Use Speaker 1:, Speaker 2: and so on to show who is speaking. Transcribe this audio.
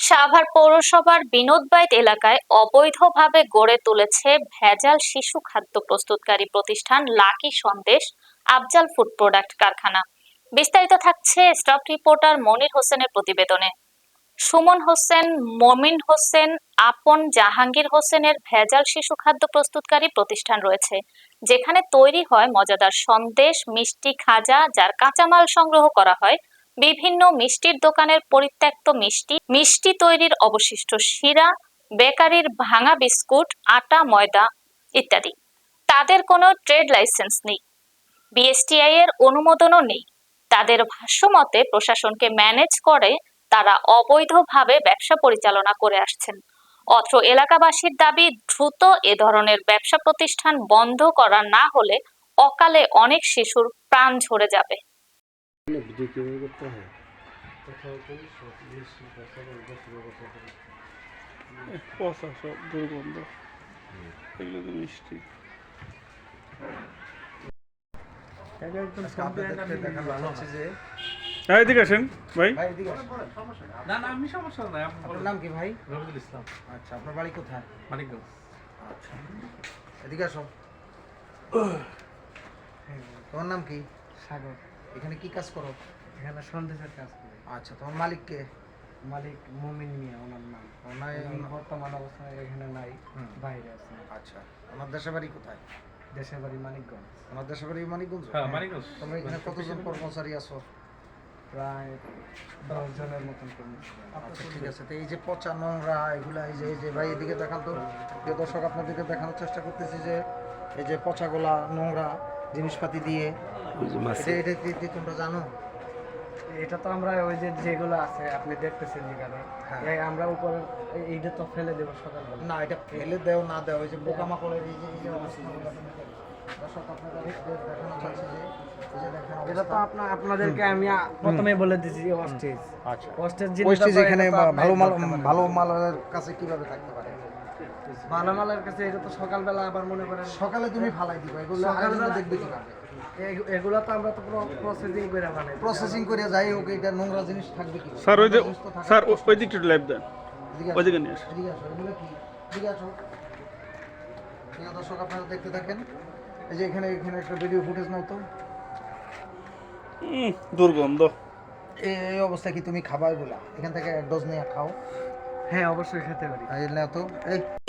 Speaker 1: সাভার পৌরসভার বিনোদবাইত এলাকায় অবৈধভাবে গড়ে তুলেছে ভেজাল শিশু খাদ্য প্রস্তুতকারী প্রতিষ্ঠান lucky Sandesh Afzal food product কারখানা। বিস্তারিত থাকছে স্টাফ রিপোর্টার মনির হোসেনের প্রতিবেদনে। সুমন হোসেন, মমিন হোসেন, আপন, জাহাঙ্গীর হোসেনের ভেজাল শিশু খাদ্য প্রস্তুতকারী প্রতিষ্ঠান রয়েছে, যেখানে তৈরি হয় মজাদার সন্দেশ, মিষ্টি, খাজা, যার কাঁচামাল সংগ্রহ করা হয় বিভিন্ন মিষ্টির দোকানের পরিত্যক্ত মিষ্টি, মিষ্টি তৈরির অবশিষ্ট শিরা, বেকারির ভাঙা বিস্কুট, আটা, ময়দা ইত্যাদি। তাদের কোনো ট্রেড লাইসেন্স নেই, বিএসটিআই এর অনুমোদনও নেই। তাদের ভাষ্যমতে প্রশাসনকে ম্যানেজ করে তারা অবৈধভাবে ব্যবসা পরিচালনা করে আসছেন। অত্র এলাকাবাসীর দাবি, দ্রুত এ ধরনের ব্যবসা প্রতিষ্ঠান বন্ধ করা না হলে অকালে অনেক শিশুর প্রাণ ঝরে যাবে।
Speaker 2: পচা সব দুর্গন্ধ, এগুলো তো মিষ্টি। এদিকে আসেন ভাই।
Speaker 3: আমি সমস্যা নাই।
Speaker 4: আপনার নাম কি ভাই?
Speaker 3: রবিউল ইসলাম।
Speaker 4: আচ্ছা, আপনার বাড়ি কোথায়?
Speaker 3: মানিকগঞ্জ।
Speaker 4: আচ্ছা, এদিকে আসো। তোমার নাম কি?
Speaker 5: সাগর।
Speaker 4: এখানে কি কাজ করো?
Speaker 5: এখানে সন্দেশের কাজ করি।
Speaker 4: আচ্ছা, তোমার মালিক কে?
Speaker 5: মালিক মুমিন মিয়া ওনার নাম।
Speaker 4: ওনার
Speaker 5: বর্তমান অবস্থায় এখানে নাই, বাইরে আছে।
Speaker 4: আচ্ছা, ওনার দেশের বাড়ি কোথায়?
Speaker 5: দেশের বাড়ি মানিকগঞ্জ।
Speaker 4: ওনার দেশের বাড়ি মানিকগঞ্জ?
Speaker 3: হ্যাঁ, মানিকগঞ্জ।
Speaker 4: তোমরা এখানে কতজন কর্মচারী আছো?
Speaker 5: প্রায় 10 জনের মতন কর্মী।
Speaker 4: আচ্ছা, ঠিক আছে। তো এই যে পচা নোংরা এগুলা, এই যে ভাই এদিকে দেখান তো, প্রিয় দর্শক আপনাদেরকে দেখানোর চেষ্টা করতেছি যে এই যে পচাগুলা নোংরা জিনিসপাতি দিয়ে, এটা কি তোমরা জানো?
Speaker 5: এটা তো আমরা ওই যে যেগুলো আছে আপনি দেখতেছেন যেখানে, আমরা উপরে এইটা তো ফেলে দেবো সকালবেলা।
Speaker 4: না, এটা ফেলে দেও না দেও, এই যে পোকামাকড়ের এই যে অবস্থাগুলো দর্শক আপনারা দেখানো চাচ্ছি যে এই যে দেখেন
Speaker 5: এটা তো আপনাদেরকে আমি প্রথমে বলে দিয়েছি অস্টেজ।
Speaker 4: আচ্ছা,
Speaker 5: অস্টেজ
Speaker 4: ওয়েস্টেজ এখানে ভালো মালের কাছে কিভাবে থাকতে পারে?
Speaker 5: ভালো মালের কাছে এটা তো সকালবেলা আবার মনে করেন
Speaker 4: সকালে তুমি ফালাই দিবা, এগুলো সকালবেলা দেখবে কিভাবে?
Speaker 5: এগুলো তো আমরা তো প্রসেসিং করে বানাই।
Speaker 4: প্রসেসিং করে যাই হোক, এটা নোংরা জিনিস থাকবে কি?
Speaker 2: স্যার ওই যে স্যার ওই দিকটা লাইভ দেন, ওইদিকে নিয়ে আসেন।
Speaker 4: এদিকে আসো, এগুলো কি? এদিকে আসো। প্রিয় দর্শক আপনারা দেখতে থাকেন, এই যে এখানে একটা ভিডিও ফুটেজ নাও তো।
Speaker 2: দুর্গন্ধ।
Speaker 4: এই অবস্থায় কি তুমি খাবা এগুলা? এখান থেকে এক ডোজ নিয়ে খাও।
Speaker 5: হ্যাঁ, অবশ্যই খেতে পারি।
Speaker 4: এই নাও তো, এই